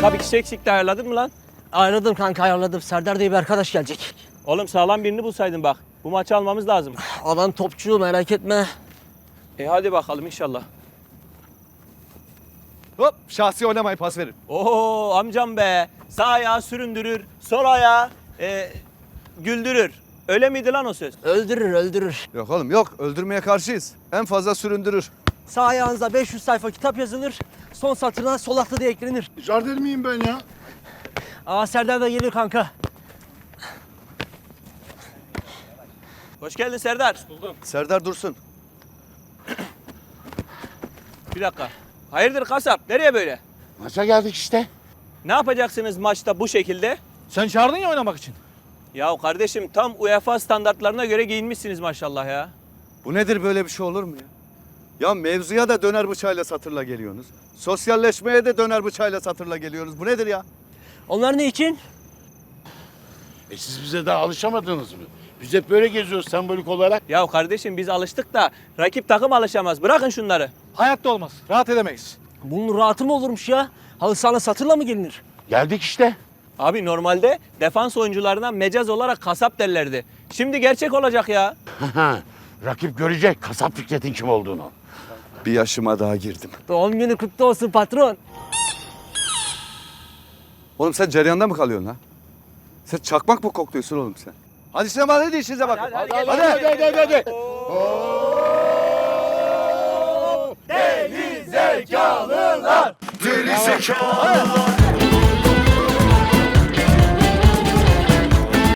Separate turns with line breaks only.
Kanka bir kişi eksikti, ayarladın mı lan?
Ayarladım kanka, ayarladım. Serdar diye bir arkadaş gelecek.
Oğlum sağlam birini bulsaydın bak. Bu maçı almamız lazım.
Alan topçu, merak etme.
Hadi bakalım inşallah.
Hop şahsi oynamayı pas verin.
Oo amcam be. Sağ ayağı süründürür, sol ayağı güldürür. Öyle miydi lan o söz?
Öldürür, öldürür.
Yok oğlum yok, öldürmeye karşıyız. En fazla süründürür.
Sağ ayağınıza 500 sayfa kitap yazılır. Son satırına sol atlı diye eklenir.
Jardel miyim ben ya?
Aa, Serdar da geliyor kanka.
Hoş geldin Serdar.
Serdar Dursun.
Bir dakika. Hayırdır kasap? Nereye böyle?
Maça geldik işte.
Ne yapacaksınız maçta bu şekilde?
Sen çağırdın ya oynamak için.
Ya kardeşim tam UEFA standartlarına göre giyinmişsiniz maşallah ya.
Bu nedir, böyle bir şey olur mu ya? Ya mevzuya da döner bıçağıyla satırla geliyorsunuz. Sosyalleşmeye de döner bıçağıyla satırla geliyorsunuz. Bu nedir ya?
Onlar ne için?
Siz bize daha alışamadınız mı? Biz hep böyle geziyoruz sembolik olarak.
Ya kardeşim biz alıştık da rakip takım alışamaz. Bırakın şunları.
Hayatta olmaz. Rahat edemeyiz.
Bunun rahatı mı olurmuş ya? Halı sahana satırla mı gelinir?
Geldik işte.
Abi normalde defans oyuncularına mecaz olarak kasap derlerdi. Şimdi gerçek olacak ya.
Rakip görecek kasap Fikret'in kim olduğunu.
Bir yaşıma daha girdim.
Doğum günü kutlu olsun patron.
Oğlum sen cereyanda mı kalıyorsun ha? Sen çakmak mı kokluyorsun oğlum sen? Hadi Süleyman, hadi işinize bakın.
Hadi.
Deli zekalılar.
Deli zekalılar.